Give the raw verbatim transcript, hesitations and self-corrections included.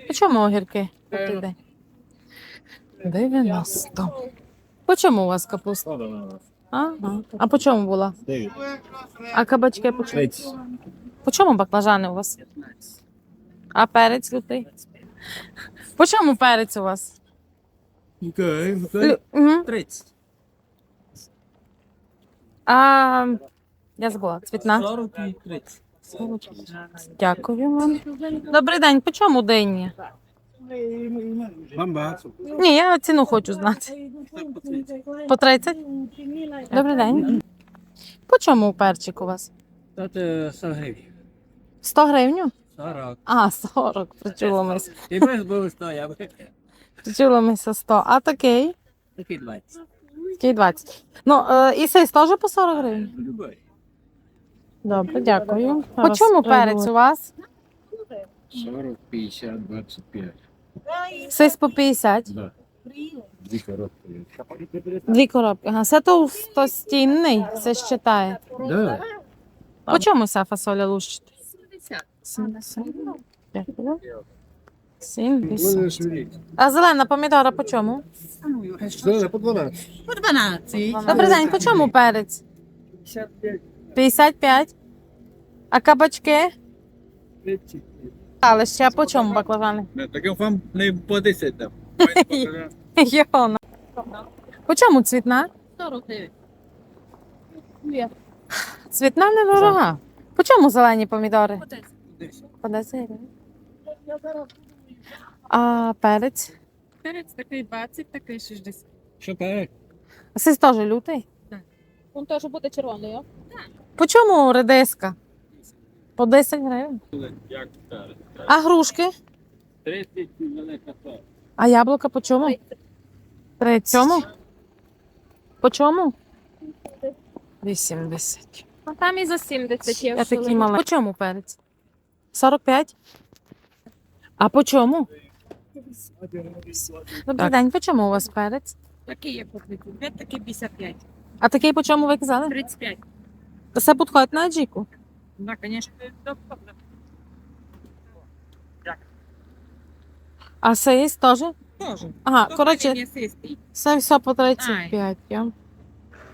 По чому огірки? Туди. дев'яносто. По чому у вас капуста? Ага. А по чому була? А кабачки по чому? По чому баклажани у вас? А перець лютий? По чому перець у вас? Лю... Угу. тридцять. А я забула, цвітна. сорок і тридцять. Дякую вам. Добрий день, по чому дині? Вам багато. Ні, я ціну хочу знати. По тридцять? Добрий день. По чому перчик у вас? Тут сто гривень. сто гривень? сорок. А, сорок, причулимось. І без було сто, я би. Причулимося сто. А такий? Такий двадцять. Такий двадцять. Ну, е, і сей теж по сорок гривень? Любой. Добре, дякую. По чому перець у вас? сорок, пятьдесят, двадцать пять. Сись по п'ятдесят. Да. Две коробки. Дві коробки. Ага, це товстостінний, це считає. Да. По чому ця фасоля лущити? сімдесят. Дякую. сімдесят. А зелена помідора по чому? Что, по двенадцать. По дванадцять. Добрий день, по чому перець? п'ятдесят п'ять. А кабачки? Але ще по чому баклажани? Так я вам не по десять дам. Йона. По чому цвітна? сорок гривень. Цвітна недорога. По чому зелені помідори? По десять гривень. А перець? Перець такий двадцять, такий шістдесят. Що перед? А сись теж лютий? Він теж буде червоний, о? По чому редиска? По десять гривень. Як перед? А грушки? тридцять велика. А яблука по чому? Тридцять. По чому? вісімдесят. А там і за сімдесят є. Я такий маленький. По чому перець? сорок п'ять. А по чому? Добрий день, по чому у вас перець? Такий є по тридцять п'ять, такий п'ятдесят п'ять. А такий по чому ви казали? тридцять п'ять. Це підходить на аджіку. Да, звісно. А це є теж? Тоже. Ага, коротше, М'ясистий. це все по тридцять п'ять. Я.